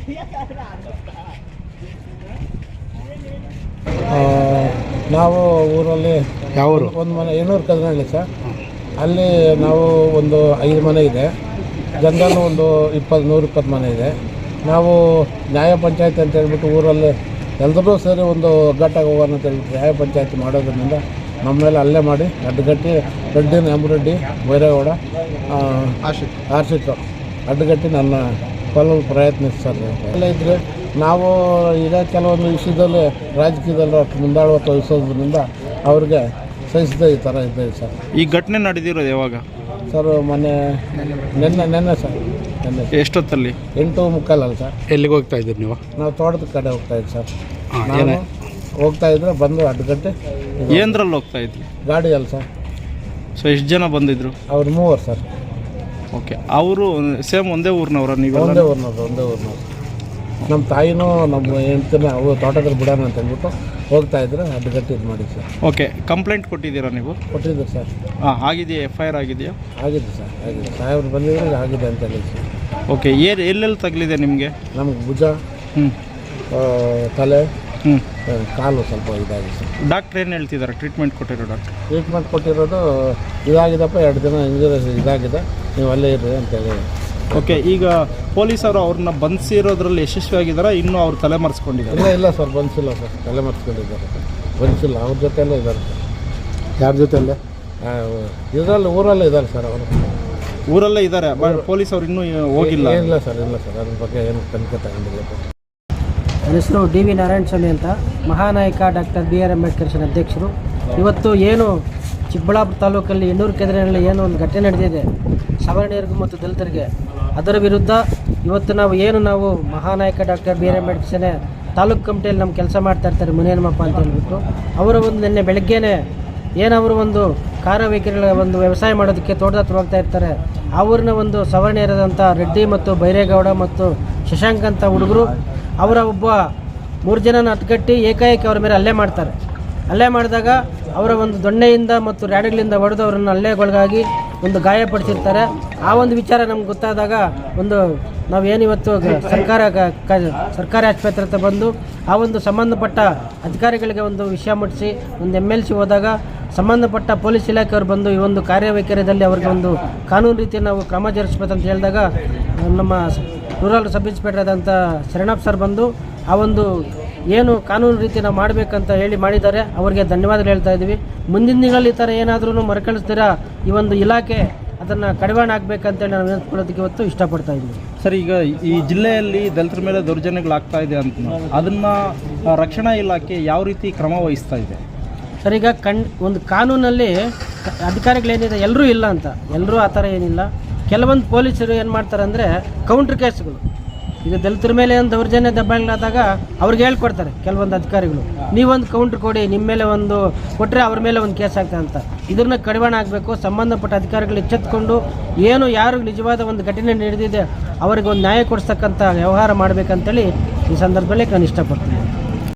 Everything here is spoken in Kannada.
ನಾವು ಊರಲ್ಲಿ ಯಾವ ಊರು? ಒಂದು ಮನೆ ಏನೂರು ಕದನಹಳ್ಳಿ ಸರ್. ಅಲ್ಲಿ ನಾವು ಒಂದು 5 ಮನೆ ಇದೆ. ಜನರಲ್ಲೂ ಒಂದು 120 ಮನೆ ಇದೆ. ನಾವು ನ್ಯಾಯ ಪಂಚಾಯತಿ ಅಂತ ಹೇಳ್ಬಿಟ್ಟು ಊರಲ್ಲಿ ಎಲ್ಲರೂ ಸೇರಿ ಒಂದು ಒಗ್ಗಟ್ಟಾಗಿ ಹೋಗೋಣ ಅಂತ ಹೇಳ್ಬಿಟ್ಟು ನ್ಯಾಯ ಪಂಚಾಯತಿ ಮಾಡೋದ್ರಿಂದ ನಮ್ಮ ಮೇಲೆ ಅಲ್ಲೇ ಮಾಡಿ ಅಡ್ಡಗಟ್ಟಿ ರೆಡ್ಡಿ ನೆಮ್ಮರೆಡ್ಡಿ ಬೈರೇಗೌಡ ಆರ್ಸಿಟ್ಟು ಅಡ್ಡಗಟ್ಟಿ ನನ್ನ ಕೊಲ್ಲಲು ಪ್ರಯತ್ನಿಸ್ತಾರೆ. ಎಲ್ಲ ಇದ್ದರೆ ನಾವು ಈಗ ಕೆಲವೊಂದು ವಿಷಯದಲ್ಲಿ ರಾಜಕೀಯದಲ್ಲಿ ಅಷ್ಟು ಮುಂದಾಳುವ ತೋರಿಸೋದ್ರಿಂದ ಅವ್ರಿಗೆ ಸಹಿಸದೆ ಈ ಥರ ಇದ್ದೇವೆ ಸರ್. ಈ ಘಟನೆ ನಡೆದಿರೋದು ಯಾವಾಗ ಸರ್? ನೆನ್ನೆ ಸರ್. ನೆನ್ನೆ ಎಷ್ಟೊತ್ತಲ್ಲಿ? 8:45 ಅಲ್ಲ ಸರ್. ಎಲ್ಲಿಗೆ ಹೋಗ್ತಾ ಇದ್ದೀರಿ ನೀವು? ನಾವು ತೋಟದ ಕಡೆ ಹೋಗ್ತಾ ಇದ್ವಿ ಸರ್. ನಾನು ಹೋಗ್ತಾ ಇದ್ರೆ ಬಂದು ಅಡ್ಡಗಟ್ಟೆ. ಏನರಲ್ಲಿ ಹೋಗ್ತಾ ಇದ್ವಿ? ಗಾಡಿ ಅಲ್ಲ ಸರ್. ಸೊ ಎಷ್ಟು ಜನ ಬಂದಿದ್ರು? ಅವ್ರು 3 ಸರ್. ಓಕೆ. ಅವರು ಸೇಮ್ ಒಂದೇ ಊರಿನವ್ರ? ನೀವು ಒಂದೇ ಊರಿನವ್ರು. ನಮ್ಮ ತಾಯಿನೂ ನಮ್ಮ ಹೆಂಡ್ತಿನ ಅವು ತೋಟದಲ್ಲಿ ಬಿಡೋಣ ಅಂತ ಅಂದ್ಬಿಟ್ಟು ಹೋಗ್ತಾ ಇದ್ರೆ ಅಡ್ಡಗಟ್ಟಿ ಇದು ಮಾಡಿ ಸರ್. ಓಕೆ. ಕಂಪ್ಲೇಂಟ್ ಕೊಟ್ಟಿದ್ದೀರಾ ನೀವು? ಕೊಟ್ಟಿದ್ದೀವಿ ಸರ್. ಆಗಿದೆಯಾ? FIR ಆಗಿದೆಯಾ? ಆಗಿದೆ ಸರ್, ಆಗಿದೆ. ಸಾಹೇಬ್ರು ಬಂದಿದ್ರೆ ಆಗಿದೆ ಅಂತ ಹೇಳಿ ಸರ್. ಓಕೆ. ಎಲ್ಲೆಲ್ಲಿ ತಗಲಿದೆ ನಿಮಗೆ? ನಮ್ಗೆ ಭುಜ, ತಲೆ, ಕಾಲು ಸ್ವಲ್ಪ ಇದಾಗಿದೆ ಸರ್. ಡಾಕ್ಟ್ರ್ ಏನು ಹೇಳ್ತಿದ್ದಾರೆ? ಟ್ರೀಟ್ಮೆಂಟ್ ಕೊಟ್ಟಿರೋದು ಇದಾಗಿದಪ್ಪ, 2 ದಿನ ಇಂಜುರಿ ಇದಾಗಿದೆ, ನೀವು ಅಲ್ಲೇ ಇರ್ರಿ ಅಂತೇಳಿ. ಓಕೆ. ಈಗ ಪೊಲೀಸರು ಅವ್ರನ್ನ ಬಂಧಿಸಿರೋದ್ರಲ್ಲಿ ಯಶಸ್ವಿಯಾಗಿದ್ದಾರೆ? ಇನ್ನೂ ಅವ್ರು ತಲೆ ಮರೆಸ್ಕೊಂಡಿದ್ದಾರೆ? ಇಲ್ಲ ಸರ್, ಬಂದಿಲ್ಲ ಸರ್. ತಲೆ ಮರೆಸ್ಕೊಂಡಿದ್ದಾರೆ ಸರ್. ಬಂದಿಲ್ಲ. ಅವ್ರ ಜೊತೆಯಲ್ಲೇ ಇದ್ದಾರೆ ಸರ್. ಯಾರ ಜೊತೆಯಲ್ಲೇ? ಇದರಲ್ಲಿ ಊರಲ್ಲೇ ಇದ್ದಾರೆ ಸರ್. ಅವರು ಊರಲ್ಲೇ ಇದ್ದಾರೆ. ಪೊಲೀಸ್ ಅವ್ರು ಇನ್ನೂ ಹೋಗಿಲ್ಲ? ಇಲ್ಲ ಸರ್, ಅದ್ರ ಬಗ್ಗೆ ಏನು ತನಿಖೆ ತಗೊಂಡಿಲ್ಲ. ನನ್ನ ಹೆಸರು DV ನಾರಾಯಣಸ್ವಾಮಿ ಅಂತ, ಮಹಾನಾಯಕ ಡಾಕ್ಟರ್ BR ಅಂಬೇಡ್ಕರ್ ಅಧ್ಯಕ್ಷರು. ಇವತ್ತು ಏನು ಚಿಕ್ಕಬಳ್ಳಾಪುರ ತಾಲೂಕಲ್ಲಿ ಎಣ್ಣೂರು ಕೆದರಿನಲ್ಲಿ ಏನು ಒಂದು ಘಟನೆ ನಡೆದಿದೆ ಸವರ್ಣೀಯರಿಗೂ ಮತ್ತು ದಲಿತರಿಗೆ, ಅದರ ವಿರುದ್ಧ ಇವತ್ತು ನಾವು ಮಹಾನಾಯಕ ಡಾಕ್ಟರ್ BR ಅಂಬೇಡ್ಕರ್ ತಾಲೂಕು ಕಮಿಟಿಯಲ್ಲಿ ನಮ್ಮ ಕೆಲಸ ಮಾಡ್ತಾ ಇರ್ತಾರೆ ಮುನಿಯಮ್ಮಪ್ಪ ಅಂತ ಹೇಳ್ಬಿಟ್ಟು. ಅವರ ಒಂದು ನಿನ್ನೆ ಬೆಳಗ್ಗೆನೇ ಏನವರು ಒಂದು ಕಾರ್ಯವೈಖರಿಗಳ ಒಂದು ವ್ಯವಸಾಯ ಮಾಡೋದಕ್ಕೆ ತೋಟದ ಹತ್ರ ಹೋಗ್ತಾ ಇರ್ತಾರೆ. ಆ ಊರಿನ ಒಂದು ಸವರ್ಣೀಯರಾದಂಥ ರೆಡ್ಡಿ ಮತ್ತು ಬೈರೇಗೌಡ ಮತ್ತು ಶಶಾಂಕ್ ಅಂತ ಹುಡುಗರು ಅವರ 3 ಜನನ ಹತ್ಕಟ್ಟಿ ಏಕಾಏಕಿ ಅವರ ಮೇಲೆ ಹಲ್ಲೆ ಮಾಡ್ತಾರೆ. ಹಲ್ಲೆ ಮಾಡಿದಾಗ ಅವರ ಒಂದು ದೊಣ್ಣೆಯಿಂದ ಮತ್ತು ರ್ಯಾಡಿಗಳಿಂದ ಹೊಡೆದು ಅವರನ್ನು ಹಲ್ಲೆಗೊಳಗಾಗಿ ಒಂದು ಗಾಯಪಡಿಸಿರ್ತಾರೆ. ಆ ಒಂದು ವಿಚಾರ ನಮ್ಗೆ ಗೊತ್ತಾದಾಗ ನಾವೇನಿವತ್ತು ಸರ್ಕಾರಿ ಆಸ್ಪತ್ರೆ ಹತ್ರ ಬಂದು ಆ ಒಂದು ಸಂಬಂಧಪಟ್ಟ ಅಧಿಕಾರಿಗಳಿಗೆ ಒಂದು ವಿಷಯ ಮುಟ್ಟಿಸಿ ಒಂದು MLC ಹೋದಾಗ ಸಂಬಂಧಪಟ್ಟ ಪೊಲೀಸ್ ಇಲಾಖೆಯವರು ಬಂದು ಈ ಒಂದು ಕಾರ್ಯವೈಖರ್ಯದಲ್ಲಿ ಅವ್ರಿಗೆ ಒಂದು ಕಾನೂನು ರೀತಿ ನಾವು ಕ್ರಮ ಜರುಗಿಸ್ಬೇಕಂತ ಹೇಳಿದಾಗ ನಮ್ಮ ರೂರಲ್ ಸಬ್ ಇನ್ಸ್ಪೆಕ್ಟರ್ ಆದಂಥ ಶರಣಪ್ಪ ಸರ್ ಬಂದು ಆ ಒಂದು ಏನು ಕಾನೂನು ರೀತಿ ನಾವು ಮಾಡಬೇಕಂತ ಮಾಡಿದ್ದಾರೆ. ಅವರಿಗೆ ಧನ್ಯವಾದಗಳು ಹೇಳ್ತಾ ಇದ್ದೀವಿ. ಮುಂದಿನ ದಿನಗಳಲ್ಲಿ ಈ ಥರ ಏನಾದರೂ ಮರುಕಳಿಸ್ತೀರಾ ಈ ಒಂದು ಇಲಾಖೆ ಅದನ್ನು ಕಡಿವಾಣ ಆಗಬೇಕಂತೇಳಿ ನಾವು ಹೇಳ್ಕೊಳ್ಳೋದಕ್ಕೆ ಇವತ್ತು ಇಷ್ಟಪಡ್ತಾ ಇದ್ದೀವಿ. ಸರ್, ಈಗ ಈ ಜಿಲ್ಲೆಯಲ್ಲಿ ದಲಿತರ ಮೇಲೆ ದೌರ್ಜನ್ಯಗಳಾಗ್ತಾ ಇದೆ ಅಂತ, ಅದನ್ನು ರಕ್ಷಣಾ ಇಲಾಖೆ ಯಾವ ರೀತಿ ಕ್ರಮ ವಹಿಸ್ತಾ ಇದೆ? ಸರ್, ಈಗ ಒಂದು ಕಾನೂನಲ್ಲಿ ಅಧಿಕಾರಿಗಳೇನಿದೆ ಎಲ್ಲರೂ ಇಲ್ಲ ಅಂತ, ಎಲ್ಲರೂ ಆ ಥರ ಏನಿಲ್ಲ. ಕೆಲವೊಂದು ಪೊಲೀಸರು ಏನು ಮಾಡ್ತಾರೆ ಅಂದರೆ ಕೌಂಟ್ರ್ ಕೇಸ್ಗಳು, ಈಗ ದಲಿತರ ಮೇಲೆ ಒಂದು ದೌರ್ಜನ್ಯ ದಬ್ಬಾಳಿಗಳಾದಾಗ ಅವ್ರಿಗೆ ಹೇಳ್ಕೊಡ್ತಾರೆ ಕೆಲವೊಂದು ಅಧಿಕಾರಿಗಳು, ನೀವೊಂದು ಕೌಂಟ್ರ್ ಕೊಡಿ, ನಿಮ್ಮ ಮೇಲೆ ಒಂದು ಕೊಟ್ಟರೆ ಅವ್ರ ಮೇಲೆ ಒಂದು ಕೇಸ್ ಆಗ್ತದೆ ಅಂತ. ಇದನ್ನ ಕಡಿವಾಣ ಆಗಬೇಕು. ಸಂಬಂಧಪಟ್ಟ ಅಧಿಕಾರಿಗಳು ಎಚ್ಚೆತ್ತುಕೊಂಡು ಯಾರು ನಿಜವಾದ ಒಂದು ಘಟನೆ ನಡೆದಿದೆ ಅವರಿಗೆ ಒಂದು ನ್ಯಾಯ ಕೊಡಿಸ್ತಕ್ಕಂಥ ವ್ಯವಹಾರ ಮಾಡಬೇಕಂತೇಳಿ ಈ ಸಂದರ್ಭದಲ್ಲಿ ನಾನು ಇಷ್ಟಪಡ್ತೀನಿ.